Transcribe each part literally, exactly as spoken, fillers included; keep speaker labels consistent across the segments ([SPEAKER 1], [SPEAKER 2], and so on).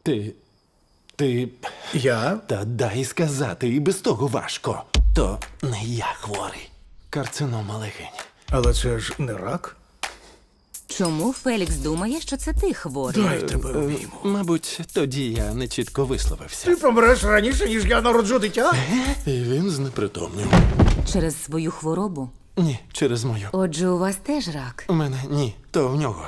[SPEAKER 1] Ти. Ти.
[SPEAKER 2] Я?
[SPEAKER 1] Та дай сказати, і без того важко. То не я хворий. Карцинома легень.
[SPEAKER 2] Але це ж не рак.
[SPEAKER 3] Чому Фелікс думає, що це ти хворий?
[SPEAKER 2] Дай тебе обійму.
[SPEAKER 1] Мабуть, тоді я не чітко висловився.
[SPEAKER 2] Ти помреш раніше, ніж я народжу дитя?
[SPEAKER 1] І він знепритомнів.
[SPEAKER 3] Через свою хворобу?
[SPEAKER 1] Ні, через мою.
[SPEAKER 3] Отже, у вас теж рак.
[SPEAKER 1] У мене ні, то в нього.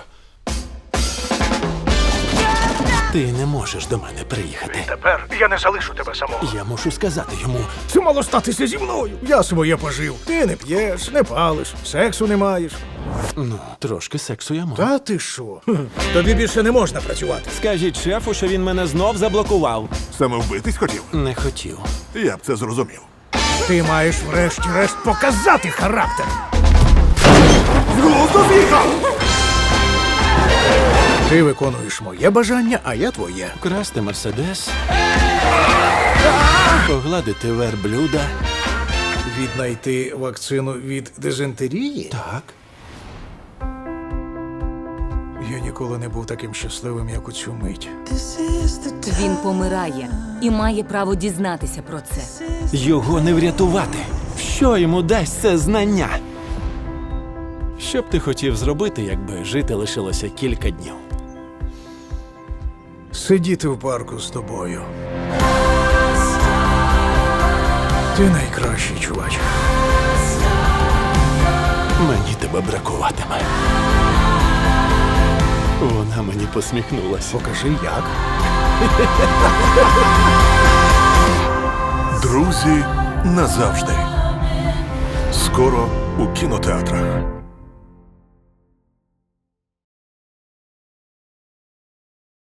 [SPEAKER 1] Ти не можеш до мене приїхати.
[SPEAKER 2] Тепер я не залишу тебе самого.
[SPEAKER 1] Я мушу сказати йому.
[SPEAKER 2] Це мало статися зі мною. Я своє пожив. Ти не п'єш, не палиш, сексу не маєш.
[SPEAKER 1] Ну, трошки сексу я можу.
[SPEAKER 2] Та ти що? Хм. Тобі більше не можна працювати.
[SPEAKER 4] Скажіть шефу, що він мене знов заблокував.
[SPEAKER 5] Саме вбитись хотів?
[SPEAKER 1] Не хотів.
[SPEAKER 5] Я б це зрозумів.
[SPEAKER 2] Ти маєш врешті-решт показати характер.
[SPEAKER 5] З глузду з'їхав!
[SPEAKER 2] Ти виконуєш моє бажання, а я твоє.
[SPEAKER 1] Красти мерседес. Погладити верблюда.
[SPEAKER 2] Віднайти вакцину від дизентерії?
[SPEAKER 1] Так.
[SPEAKER 2] Я ніколи не був таким щасливим, як у цю мить.
[SPEAKER 3] Він помирає і має право дізнатися про це.
[SPEAKER 1] Його не врятувати. Що йому дасть це знання? Що б ти хотів зробити, якби жити лишилося кілька днів?
[SPEAKER 2] Сидіти в парку з тобою. Ти найкращий, чувач.
[SPEAKER 1] Мені тебе бракуватиме. Вона мені посміхнулася.
[SPEAKER 2] Покажи, як.
[SPEAKER 5] Друзі назавжди. Скоро у кінотеатрах.